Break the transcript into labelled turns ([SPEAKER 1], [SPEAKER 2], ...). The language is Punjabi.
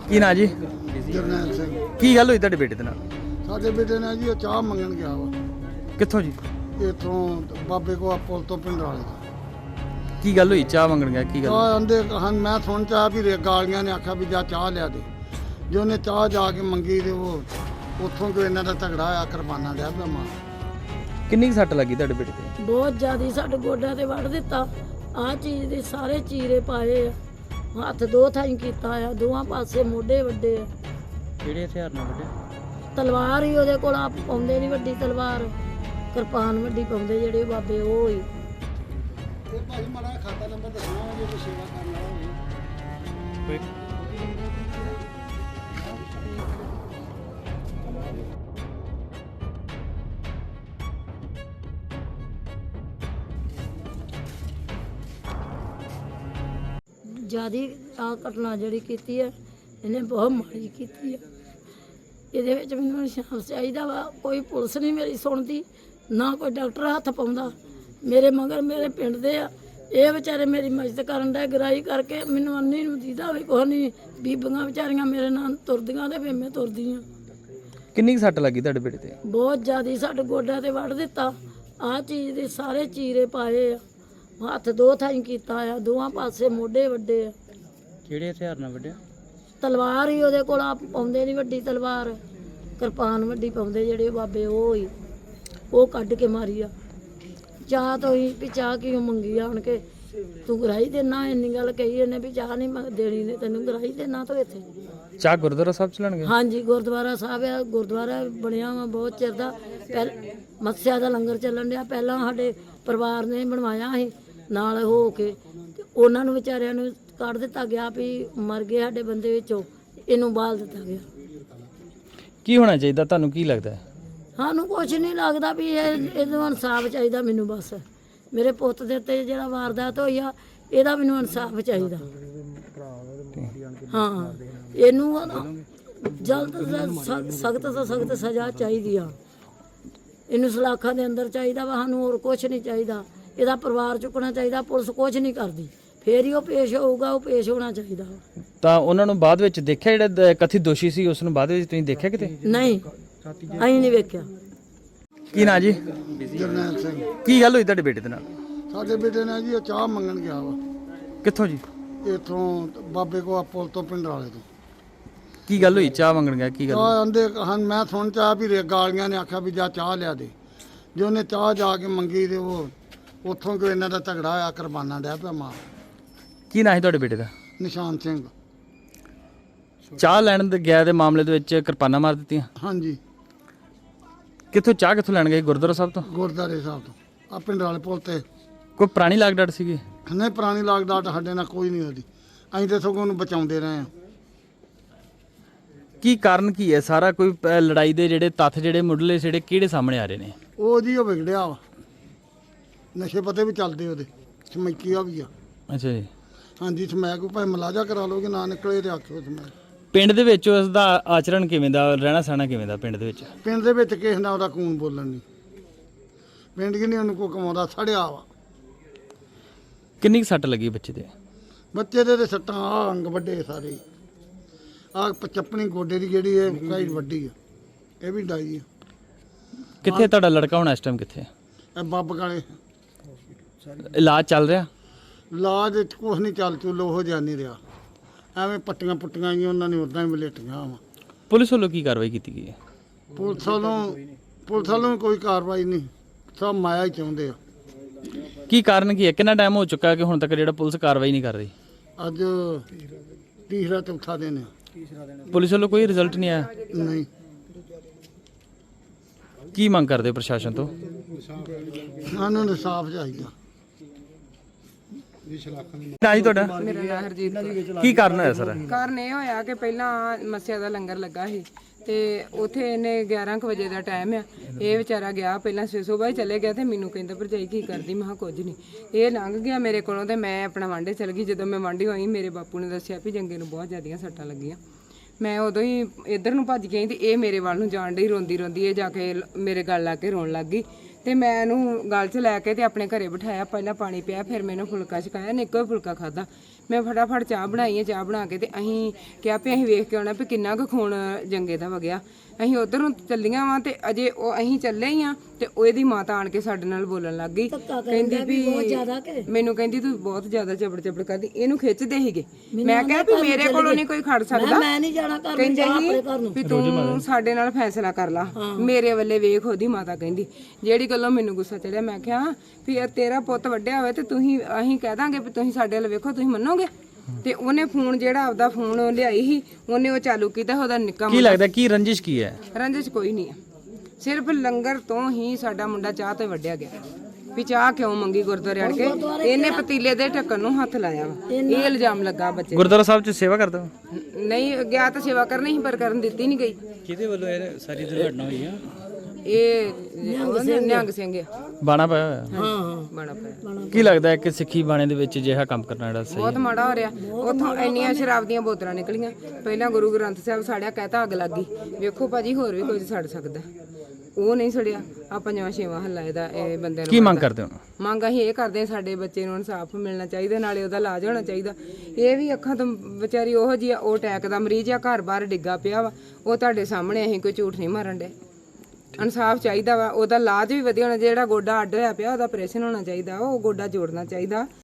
[SPEAKER 1] ਕੀ ਨਾਂ ਜੀ?
[SPEAKER 2] ਜਰਨੈਲ ਸਿੰਘ।
[SPEAKER 1] ਕੀ ਗੱਲ ਹੋਈ ਤੁਹਾਡੇ ਬੇਟੇ ਦੇ ਨਾਲ?
[SPEAKER 2] ਸਾਡੇ ਬੇਟੇ ਨੇ ਜੀ ਉਹ ਚਾਹ ਮੰਗਣ ਗਿਆ ਵਾ
[SPEAKER 1] ਕਿੱਥੋਂ ਜੀ?
[SPEAKER 2] ਇੱਥੋਂ ਬਾਬੇ ਕੋ ਪੁਲ ਤੋਂ ਪਿੰਡ ਵਾਲੇ ਤੋਂ।
[SPEAKER 1] ਕੀ ਗੱਲ ਹੋਈ? ਚਾਹ ਮੰਗਣ ਗਿਆ, ਕੀ ਗੱਲ?
[SPEAKER 2] ਚਾਹ ਆਂਦੇ ਹਨ, ਮੈਂ ਸੁਣ ਚਾਹ ਵੀ ਗਾਲੀਆਂ ਨੇ ਆਖਿਆ ਵੀ ਜਾ ਚਾਹ ਲਿਆ ਦੇ। ਜੇ ਉਹਨੇ ਚਾਹ ਜਾ ਕੇ ਮੰਗੀ ਤੇ ਉਹ ਉੱਥੋਂ ਕੋਈ ਇਹਨਾਂ ਦਾ ਝਗੜਾ ਹੋਇਆ, ਕਿਰਪਾਨਾਂ ਲਿਆ ਪਿਆ ਮਾਂ।
[SPEAKER 1] ਕਿੰਨੀ ਕੁ ਸੱਟ ਲੱਗੀ ਤੁਹਾਡੇ ਬੇਟੇ ਤੇ?
[SPEAKER 3] ਬਹੁਤ ਜ਼ਿਆਦਾ ਸਾਡੇ ਗੋਡਿਆਂ ਤੇ ਵੱਢ ਦਿੱਤਾ। ਆਹ ਚੀਜ਼ ਦੇ ਸਾਰੇ ਚੀਰੇ ਪਾਏ ਆ, ਹੱਥ ਦੋ ਥਾਈਂ ਕੀਤਾ ਆ, ਦੋਵਾਂ ਪਾਸੇ ਮੋਢੇ ਵੱਡੇ ਆ।
[SPEAKER 1] ਕਿਹੜੇ ਹਥਿਆਰ ਨਾਲ ਵੱਢਿਆ?
[SPEAKER 3] ਤਲਵਾਰ ਹੀ ਉਹਦੇ ਕੋਲ, ਆਪ ਪਾਉਂਦੇ ਨਹੀਂ ਵੱਡੀ ਤਲਵਾਰ, ਕਿਰਪਾਨ ਵੱਡੀ ਪਾਉਂਦੇ ਜਿਹੜੇ ਬਾਬੇ ਉਹ ਹੀ।
[SPEAKER 2] ਇਹ ਭਾਈ ਮਾੜਾ ਖਾਤਾ ਨੰਬਰ ਦੱਸਣਾ ਜੇ ਕੋਈ ਸੇਵਾ ਕਰਨ ਵਾਲਾ ਹੋਵੇ।
[SPEAKER 3] ਜਿਆਦੀ ਆ ਘਟਨਾ ਜਿਹੜੀ ਕੀਤੀ ਹੈ ਇਹਨੇ ਬਹੁਤ ਮਾੜੀ ਕੀਤੀ ਹੈ। ਇਹਦੇ ਵਿੱਚ ਮੈਨੂੰ ਇਨਸਾਫ ਚਾਹੀਦਾ ਵਾ। ਕੋਈ ਪੁਲਿਸ ਨਹੀਂ ਮੇਰੀ ਸੁਣਦੀ, ਨਾ ਕੋਈ ਡਾਕਟਰ ਹੱਥ ਪਾਉਂਦਾ। ਮੇਰੇ ਮਗਰ ਮੇਰੇ ਪਿੰਡ ਦੇ ਆ, ਇਹ ਵਿਚਾਰੇ ਮੇਰੀ ਮਦਦ ਕਰਨ ਦਾ ਗਰਾਈ ਕਰਕੇ ਮੈਨੂੰ ਅੰਨੀ ਨੂੰ ਦੀਦਾ ਵੀ ਕੁਛ ਨਹੀਂ। ਬੀਬੀਆਂ ਵਿਚਾਰੀਆਂ ਮੇਰੇ ਨਾਲ ਤੁਰਦੀਆਂ ਤੇ ਫਿਰ ਮੈਂ ਤੁਰਦੀ ਹਾਂ।
[SPEAKER 1] ਕਿੰਨੀ ਕੁ ਸੱਟ ਲੱਗੀ ਤੁਹਾਡੇ ਬੇਟੇ ਤੇ?
[SPEAKER 3] ਬਹੁਤ ਜ਼ਿਆਦਾ ਸਾਡੇ ਗੋਡਿਆਂ ਤੇ ਵੱਢ ਦਿੱਤਾ। ਆਹ ਚੀਜ਼ ਦੇ ਸਾਰੇ ਚੀਰੇ ਪਾਏ ਆ, ਹੱਥ ਦੋ ਥਾਈਂ ਕੀਤਾ ਆ, ਦੋਵਾਂ ਪਾਸੇ ਮੋਢੇ ਵੱਡੇ ਆ।
[SPEAKER 1] ਕਿਹੜੇ ਹਥਿਆਰ ਨਾਲ ਵੱਢਿਆ?
[SPEAKER 3] ਤਲਵਾਰ ਹੀ ਉਹਦੇ ਕੋਲ, ਆਪ ਪਾਉਂਦੇ ਨਹੀਂ ਵੱਡੀ ਤਲਵਾਰ, ਕਿਰਪਾਨ ਵੱਡੀ ਪਾਉਂਦੇ ਜਿਹੜੇ ਬਾਬੇ ਉਹ ਹੀ। ਉਹ ਕੱਢ ਕੇ ਮਾਰੀ ਆ। ਚਾਹ ਤੋਂ ਹੀ ਵੀ ਚਾਹ ਕਿਉਂ ਮੰਗੀ ਆਣ ਕੇ, ਤੂੰ ਗਰਾਈ ਦੇਣਾ, ਇੰਨੀ ਗੱਲ ਕਹੀ ਇਹਨੇ ਵੀ ਚਾਹ ਨਹੀਂ ਦੇਣੀ ਨੇ ਤੈਨੂੰ, ਗਰਾਈ ਦੇਣਾ ਤੋਂ ਇੱਥੇ।
[SPEAKER 1] ਚਾਹ ਗੁਰਦੁਆਰਾ ਸਾਹਿਬ ਚਲਾਣਗੇ?
[SPEAKER 3] ਹਾਂਜੀ, ਗੁਰਦੁਆਰਾ ਸਾਹਿਬ ਆ, ਗੁਰਦੁਆਰਾ ਬਣਿਆ ਵਾ ਬਹੁਤ ਚਿਰ ਦਾ। ਮੱਸਿਆ ਦਾ ਲੰਗਰ ਚੱਲਣ ਡਿਆ, ਪਹਿਲਾਂ ਸਾਡੇ ਪਰਿਵਾਰ ਨੇ ਬਣਵਾਇਆ ਸੀ ਨਾਲ ਹੋ ਕੇ, ਤੇ ਉਹਨਾਂ ਨੂੰ ਵਿਚਾਰਿਆਂ ਨੂੰ ਕੱਢ ਦਿੱਤਾ ਗਿਆ ਵੀ ਮਰ ਗਏ ਸਾਡੇ ਬੰਦੇ ਵਿੱਚੋਂ, ਇਹਨੂੰ ਬਾਲ ਦਿੱਤਾ ਗਿਆ।
[SPEAKER 1] ਕੀ ਹੋਣਾ ਚਾਹੀਦਾ ਤੁਹਾਨੂੰ, ਕੀ ਲੱਗਦਾ?
[SPEAKER 3] ਸਾਨੂੰ ਕੁਛ ਨਹੀਂ ਲੱਗਦਾ ਵੀ ਇਹਨੂੰ ਇਨਸਾਫ ਚਾਹੀਦਾ ਮੈਨੂੰ। ਬਸ ਮੇਰੇ ਪੁੱਤ ਦੇ ਉੱਤੇ ਜਿਹੜਾ ਵਾਰਦਾਤ ਹੋਈ ਆ, ਇਹਦਾ ਮੈਨੂੰ ਇਨਸਾਫ ਚਾਹੀਦਾ। ਹਾਂ, ਇਹਨੂੰ ਜਲਦ ਸਖਤ ਤੋਂ ਸਖਤ ਸਜ਼ਾ ਚਾਹੀਦੀ ਆ। ਇਹਨੂੰ ਸਲਾਖਾਂ ਦੇ ਅੰਦਰ ਚਾਹੀਦਾ ਵਾ, ਸਾਨੂੰ ਹੋਰ ਕੁਛ ਨਹੀਂ ਚਾਹੀਦਾ। ਇਹਦਾ ਪਰਿਵਾਰ ਚੁੱਕਣਾ ਚਾਹੀਦਾ। ਪੁਲਿਸ ਕੁਛ ਨਹੀਂ ਕਰਦੀ, ਫੇਰ ਹੀ ਉਹ ਪੇਸ਼ ਹੋਊਗਾ, ਉਹ ਪੇਸ਼ ਹੋਣਾ ਚਾਹੀਦਾ।
[SPEAKER 1] ਤਾਂ ਉਹਨਾਂ ਨੂੰ ਬਾਅਦ ਵਿੱਚ ਦੇਖਿਆ, ਜਿਹੜਾ ਕਥਿਤ ਦੋਸ਼ੀ ਸੀ ਉਸ ਨੂੰ ਬਾਅਦ ਵਿੱਚ ਤੁਸੀਂ ਦੇਖਿਆ ਕਿਤੇ?
[SPEAKER 3] ਨਹੀਂ, ਅਸੀਂ ਨਹੀਂ ਵੇਖਿਆ।
[SPEAKER 1] ਕੀ ਨਾਂ ਜੀ?
[SPEAKER 2] ਜਰਨੈਲ ਸਿੰਘ।
[SPEAKER 1] ਕੀ ਗੱਲ ਹੋਈ ਤੁਹਾਡੇ ਬੇਟੇ ਦੇ ਨਾਲ?
[SPEAKER 2] ਸਾਡੇ ਬੇਟੇ ਨੇ ਜੀ ਉਹ ਚਾਹ ਮੰਗਣ ਗਿਆ ਵਾ
[SPEAKER 1] ਕਿੱਥੋਂ ਜੀ?
[SPEAKER 2] ਇੱਥੋਂ ਬਾਬੇ ਕੋ ਪੁਲ ਤੋਂ ਪਿੰਡ ਵਾਲੇ ਤੋਂ।
[SPEAKER 1] ਕੀ ਗੱਲ ਹੋਈ? ਚਾਹ ਮੰਗਣ ਗਿਆ, ਕੀ ਗੱਲ?
[SPEAKER 2] ਚਾਹ ਆਂਦੇ ਹਨ, ਮੈਂ ਸੁਣ ਚਾਹ ਵੀ ਗਾਲੀਆਂ ਨੇ ਆਖਿਆ ਵੀ ਜਾ ਚਾਹ ਲਿਆ ਦੇ। ਜੇ ਉਹਨੇ ਚਾਹ ਜਾ ਕੇ ਮੰਗੀ ਤੇ ਉਹ ਉੱਥੋਂ ਕੋਈ ਇਹਨਾਂ ਦਾ ਝਗੜਾ ਹੋਇਆ, ਕਿਰਪਾਨਾਂ ਲਿਆ ਪਿਆ ਮਾਂ।
[SPEAKER 1] ਕੀ ਨਾਂ ਸੀ ਤੁਹਾਡੇ ਬੇਟੇ ਦਾ?
[SPEAKER 2] ਨਿਸ਼ਾਨ ਸਿੰਘ।
[SPEAKER 1] ਚਾਹ ਲੈਣ ਦੇ ਗਿਆ ਦੇ ਮਾਮਲੇ ਦੇ ਵਿੱਚ ਕਿਰਪਾਨਾਂ ਮਾਰ ਦਿੱਤੀਆਂ?
[SPEAKER 2] ਹਾਂਜੀ,
[SPEAKER 1] ਕਿੱਥੋਂ ਚਾਹ ਕਿੱਥੋਂ ਲੈਣ ਗਏ? ਗੁਰਦੁਆਰਾ ਸਾਹਿਬ ਤੋਂ?
[SPEAKER 2] ਗੁਰਦਾਰੇ ਸਾਹਿਬ ਤੋਂ। ਆ ਪਿੰਡ ਵਾਲੇ ਪੁਲ ਤੇ।
[SPEAKER 1] ਕੋਈ ਪੁਰਾਣੀ ਲਾਗ ਡਾਟ ਸੀਗੀ?
[SPEAKER 2] ਨਹੀਂ, ਪੁਰਾਣੀ ਲਾਗਡਾਟ ਸਾਡੇ ਨਾਲ ਕੋਈ ਨਹੀਂ ਉਹਦੀ। ਅਸੀਂ ਤਾਂ ਸਗੋਂ ਉਹਨੂੰ ਬਚਾਉਂਦੇ ਰਹੇ ਹਾਂ।
[SPEAKER 1] ਕੀ ਕਾਰਨ ਕੀ ਹੈ ਸਾਰਾ? ਕੋਈ ਲੜਾਈ ਦੇ ਜਿਹੜੇ ਤੱਥ ਜਿਹੜੇ ਮੁੱਢਲੇ ਜਿਹੜੇ ਕਿਹੜੇ ਸਾਹਮਣੇ ਆ ਰਹੇ ਨੇ?
[SPEAKER 2] ਉਹ ਜੀ ਉਹ ਵਿਗੜਿਆ ਵਾ, ਨਸ਼ੇ ਪਤੇ ਵੀ ਚੱਲਦੇ ਉਹਦੇ, ਸਮੈਕੀਆ ਵੀ ਆ।
[SPEAKER 1] ਅੱਛਾ ਜੀ।
[SPEAKER 2] ਹਾਂਜੀ, ਸਮੈਕ ਭਾਵੇਂ ਮਲਾਜਾ ਕਰਾ ਲੋਗੇ, ਨਾ ਨਿਕਲੇ ਤੇ ਆਖਿਓ ਸਮੈਕ।
[SPEAKER 1] ਪਿੰਡ ਦੇ ਵਿੱਚ ਉਸ ਦਾ ਆਚਰਣ ਕਿਵੇਂ ਦਾ, ਰਹਿਣਾ ਸਹਿਣਾ ਕਿਵੇਂ ਦਾ ਪਿੰਡ ਦੇ ਵਿੱਚ?
[SPEAKER 2] ਪਿੰਡ ਦੇ ਵਿੱਚ ਕਿਸੇ ਨਾਲ ਉਹਦਾ ਖੂਨ ਬੋਲਣ ਨਹੀਂ। ਪਿੰਡ ਕਿ ਨਹੀਂ ਉਹਨੂੰ ਕੋ ਕਮਾਉਂਦਾ, ਸੜਿਆ ਵਾ।
[SPEAKER 1] ਕਿੰਨੀ ਕੁ ਸੱਟ ਲੱਗੀ ਬੱਚੇ ਦੇ?
[SPEAKER 2] ਬੱਚੇ ਦੇ ਤੇ ਸੱਟਾਂ ਆ ਅੰਗ ਵੱਡੇ ਸਾਰੇ। ਆ ਚੱਪਣੀ ਗੋਡੇ ਦੀ ਜਿਹੜੀ ਇਹ ਕਾਈ ਵੱਡੀ ਆ, ਇਹ ਵੀ ਡਾਈ ਆ।
[SPEAKER 1] ਕਿੱਥੇ ਤੁਹਾਡਾ ਲੜਕਾ ਹੁਣ ਇਸ ਟਾਈਮ ਕਿੱਥੇ?
[SPEAKER 2] ਇਹ ਬੱਬ ਕਾਲੇ
[SPEAKER 1] ਇਲਾਜ ਚੱਲ ਰਿਹਾ?
[SPEAKER 2] ਲਾਜ ਕੁਛ ਨਹੀਂ ਚੱਲ ਚੁੱਲ ਉਹ ਜਿਹਾ ਨਹੀਂ ਰਿਹਾ। ਐਵੇਂ ਪੱਟੀਆਂ ਪੁੱਟੀਆਂ ਆਈਆਂ, ਉਹਨਾਂ ਨੇ ਉਦਾਂ ਹੀ ਵਲੇਟੀਆਂ ਵਾ।
[SPEAKER 1] ਪੁਲਿਸ ਵੱਲੋਂ ਕੀ ਕਾਰਵਾਈ ਕੀਤੀ ਗਈ ਹੈ?
[SPEAKER 2] ਪੁਲਿਸ ਵੱਲੋਂ ਕੋਈ ਕਾਰਵਾਈ ਨਹੀਂ, ਸਭ ਮਾਇਆ ਹੀ ਚਾਹੁੰਦੇ ਆ।
[SPEAKER 1] ਕੀ ਕਾਰਨ ਕੀ ਹੈ? ਕਿੰਨਾ ਟਾਈਮ ਹੋ ਚੁੱਕਾ ਕਿ ਹੁਣ ਤੱਕ ਜਿਹੜਾ ਪੁਲਿਸ ਕਾਰਵਾਈ ਨਹੀਂ ਕਰ ਰਹੀ?
[SPEAKER 2] ਅੱਜ ਤੀਸਰਾ ਚੌਥਾ ਦਿਨ ਆ।
[SPEAKER 1] ਪੁਲਿਸ ਵੱਲੋਂ ਕੋਈ ਰਿਜ਼ਲਟ ਨਹੀਂ ਆਇਆ?
[SPEAKER 2] ਨਹੀਂ।
[SPEAKER 1] ਕੀ ਮੰਗ ਕਰਦੇ ਹੋ ਪ੍ਰਸ਼ਾਸਨ ਤੋਂ?
[SPEAKER 2] ਸਾਨੂੰ ਇਨਸਾਫ ਚਾਹੀਦਾ।
[SPEAKER 1] ਨਾ ਜੀ ਤੁਹਾਡਾ?
[SPEAKER 4] ਮੇਰਾ ਨਾਮ ਹਰਜੀਤ ਕੌਰ।
[SPEAKER 1] ਕੀ ਕਾਰਨ ਹੋਇਆ ਸਰ?
[SPEAKER 4] ਕਾਰਨ ਇਹ ਹੋਇਆ ਕਿ ਪਹਿਲਾਂ ਮੱਸਿਆ ਦਾ ਲੰਗਰ ਲੱਗਾ ਸੀ ਤੇ ਉਥੇ ਇਹਨੇ 11 ਕੁ ਵਜੇ ਦਾ ਟਾਈਮ ਆ। ਇਹ ਵਿਚਾਰਾ ਗਿਆ ਪਹਿਲਾਂ ਸਵੇਰ ਹੀ ਚਲੇ ਗਿਆ ਤੇ ਮੈਨੂੰ ਕਹਿੰਦਾ ਭਰਜਾਈ ਕੀ ਕਰਦੀ? ਮੈਂ ਕਿਹਾ ਕੁਝ ਨਹੀਂ। ਇਹ ਲੰਘ ਗਿਆ ਮੇਰੇ ਕੋਲੋਂ ਤੇ ਮੈਂ ਆਪਣਾ ਵਾਂਢੇ ਚਲ ਗਈ। ਜਦੋਂ ਮੈਂ ਵਾਂਢੀ ਹੋਈ, ਮੇਰੇ ਬਾਪੂ ਨੇ ਦੱਸਿਆ ਵੀ ਜੰਗੇ ਨੂੰ ਬਹੁਤ ਜ਼ਿਆਦੀਆਂ ਸੱਟਾਂ ਲੱਗੀਆਂ। ਮੈਂ ਉਦੋਂ ਹੀ ਇੱਧਰ ਨੂੰ ਭੱਜ ਗਈ ਤੇ ਇਹ ਮੇਰੇ ਵੱਲ ਨੂੰ ਜਾਣ ਡਈ ਰੋਂਦੀ ਰੋਂਦੀ। ਇਹ ਜਾ ਕੇ ਮੇਰੇ ਗਲ ਲਾ ਕੇ ਰੋਣ ਲੱਗ ਗਈ ਤੇ ਮੈਂ ਇਹਨੂੰ ਗਲ 'ਚ ਲੈ ਕੇ ਤੇ ਆਪਣੇ ਘਰੇ ਬਿਠਾਇਆ। ਪਹਿਲਾਂ ਪਾਣੀ ਪਿਆ, ਫਿਰ ਮੈਨੂੰ ਫੁਲਕਾ ਛਕਾਇਆ। ਨੇ ਇੱਕੋ ਹੀ ਫੁਲਕਾ ਖਾਦਾ। ਮੈਂ ਫਟਾਫਟ ਚਾਹ ਬਣਾਈ ਹੈ। ਚਾਹ ਬਣਾ ਕੇ ਤੇ ਅਸੀਂ ਕਿਹਾ ਵੀ ਅਸੀਂ ਵੇਖ ਕੇ ਆਉਣਾ ਵੀ ਕਿੰਨਾ ਕੁ ਖੂਨ ਜੰਗੇ ਦਾ ਵਗਿਆ। ਅਸੀਂ ਉਧਰ ਨੂੰ ਚੱਲੀਆਂ ਵਾਂ ਤੇ ਅਜੇ ਉਹ ਅਸੀਂ ਚੱਲੇ ਹੀ ਆ ਤੇ ਉਹਦੀ ਮਾਤਾ ਆਣ ਕੇ ਸਾਡੇ ਨਾਲ ਬੋਲਣ ਲੱਗ ਗਈ। ਕਹਿੰਦੀ ਵੀ ਮੈਨੂੰ ਕਹਿੰਦੀ ਤੂੰ ਬਹੁਤ ਜ਼ਿਆਦਾ ਚਪੜ ਚਪੜ ਕਰਦੀ, ਇਹਨੂੰ ਖਿੱਚਦੇ ਸੀਗੇ। ਮੈਂ ਕਿਹਾ ਵੀ ਮੇਰੇ ਕੋਲੋਂ ਨਹੀਂ ਕੋਈ ਖੜ ਸਕਦਾ।
[SPEAKER 3] ਮੈਂ ਨਹੀਂ ਜਾਣਾ ਘਰ ਨੂੰ,
[SPEAKER 4] ਕਹਿੰਦੇ
[SPEAKER 3] ਜਾ
[SPEAKER 4] ਸੀ
[SPEAKER 3] ਆਪਣੇ ਘਰ ਨੂੰ।
[SPEAKER 4] ਵੀ ਤੂੰ ਸਾਡੇ ਨਾਲ ਫੈਸਲਾ ਕਰ ਲਾ, ਮੇਰੇ ਵੱਲੇ ਵੇਖ। ਉਹਦੀ ਮਾਤਾ ਕਹਿੰਦੀ, ਜਿਹੜੀ ਗੱਲੋਂ ਮੈਨੂੰ ਗੁੱਸਾ ਚੜਿਆ। ਮੈਂ ਕਿਹਾ ਵੀ ਇਹ ਤੇਰਾ ਪੁੱਤ ਵੱਡਿਆ ਹੋਵੇ ਤੇ ਅਸੀਂ ਕਹਿ ਦਾਂਗੇ ਵੀ ਤੁਸੀਂ ਸਾਡੇ ਵੱਲ ਵੇਖੋ, ਤੁਸੀਂ ਮੰਨੋਗੇ? ਤੇ ਉਹਨੇ ਫੋਨ ਜਿਹੜਾ ਆਪਦਾ ਫੋਨ ਲਿਆਈ ਸੀ ਉਹਨੇ ਉਹ ਚਾਲੂ ਕੀਤਾ। ਉਹਦਾ ਨਿੱਕਾ
[SPEAKER 1] ਕੀ ਲੱਗਦਾ ਕੀ ਰੰਜਿਸ਼ ਕੀ ਹੈ?
[SPEAKER 4] ਰੰਜਿਸ਼ ਕੋਈ ਨਹੀਂ ਆ, ਸਿਰਫ ਲੰਗਰ ਤੋਂ ਹੀ ਸਾਡਾ ਮੁੰਡਾ ਚਾਹ ਤੋਂ ਵੱਢਿਆ ਗਿਆ। ਵੀ ਚਾਹ ਕਿਉਂ ਮੰਗੀ ਗੁਰਦੁਆਰੇ ਅੜ ਕੇ? ਇਹਨੇ ਪਤੀਲੇ ਦੇ ਢੱਕਣ ਨੂੰ ਹੱਥ ਲਾਇਆ ਵਾ, ਇਹ ਇਲਜ਼ਾਮ ਲੱਗਾ ਬੱਚੇ।
[SPEAKER 1] ਗੁਰਦੁਆਰਾ ਸਾਹਿਬ 'ਚ ਸੇਵਾ ਕਰਦਾ?
[SPEAKER 4] ਨਹੀਂ ਗਿਆ ਤਾਂ ਸੇਵਾ ਕਰਨੀ ਸੀ ਪਰ ਕਰਨ ਦਿੱਤੀ ਨਹੀਂ ਗਈ।
[SPEAKER 1] ਕਿਹਦੇ ਵੱਲੋਂ ਇਹ ਸਾਰੀ ਦੁਰਘਟਨਾ ਹੋਈ ਆ?
[SPEAKER 4] ਇਹ ਨਿਹੰਗ ਸਿੰਘ ਆ,
[SPEAKER 1] ਬਾਣਾ ਪਾਇਆ ਹੋਇਆ?
[SPEAKER 3] ਹਾਂ
[SPEAKER 4] ਬੜਾ ਪਿਆ।
[SPEAKER 1] ਕੀ ਲੱਗਦਾ ਹੈ ਕਿ ਸਿੱਖੀ ਬਾਣੇ ਦੇ ਵਿੱਚ ਅਜਿਹਾ ਕੰਮ ਕਰਨਾ ਜਿਹੜਾ ਸਹੀ?
[SPEAKER 4] ਬਹੁਤ ਮਾੜਾ ਹੋ ਰਿਹਾ। ਉੱਥੋਂ ਇੰਨੀਆਂ ਸ਼ਰਾਬ ਦੀਆਂ ਬੋਤਲਾਂ ਨਿਕਲੀਆਂ। ਪਹਿਲਾਂ ਗੁਰੂ ਗ੍ਰੰਥ ਸਾਹਿਬ ਸਾੜਿਆ, ਕਹਿਤਾ ਅੱਗ ਲੱਗ ਗਈ। ਵੇਖੋ ਭਾਜੀ ਹੋਰ ਵੀ ਕੁਝ ਸੜ ਸਕਦਾ, ਉਹ ਨਹੀਂ ਸੜਿਆ। ਆ 5ਵਾਂ ਹੱਲਾ ਇਹਦਾ ਇਹ ਬੰਦੇ ਨੂੰ।
[SPEAKER 1] ਕੀ ਮੰਗ ਕਰਦੇ ਹੋ?
[SPEAKER 4] ਮੰਗ ਅਸੀਂ ਇਹ ਕਰਦੇ ਹਾਂ, ਸਾਡੇ ਬੱਚੇ ਨੂੰ ਇਨਸਾਫ ਮਿਲਣਾ ਚਾਹੀਦਾ, ਨਾਲੇ ਉਹਦਾ ਇਲਾਜ ਹੋਣਾ ਚਾਹੀਦਾ। ਇਹ ਵੀ ਅੱਖਾਂ ਤੋਂ ਵਿਚਾਰੀ ਉਹੋ ਜਿਹੀ ਆ, ਉਹ ਅਟੈਕ ਦਾ ਮਰੀਜ਼ ਆ, ਘਰ-ਬਾਰ ਡਿੱਗਾ ਪਿਆ ਵਾ। ਉਹ ਤੁਹਾਡੇ ਸਾਹਮਣੇ, ਅਸੀਂ ਕੋਈ ਝੂਠ ਨਹੀਂ ਮਾਰਨ ਡੇ। ਇਨਸਾਫ ਚਾਹੀਦਾ ਵਾ, ਉਹਦਾ ਇਲਾਜ ਵੀ ਵਧੀਆ ਹੋਣਾ। ਜਿਹੜਾ ਗੋਡਾ ਅੱਡ ਹੋਇਆ ਪਿਆ ਉਹਦਾ ਆਪਰੇਸ਼ਨ ਹੋਣਾ ਚਾਹੀਦਾ, ਉਹ ਗੋਡਾ ਜੋੜਨਾ ਚਾਹੀਦਾ।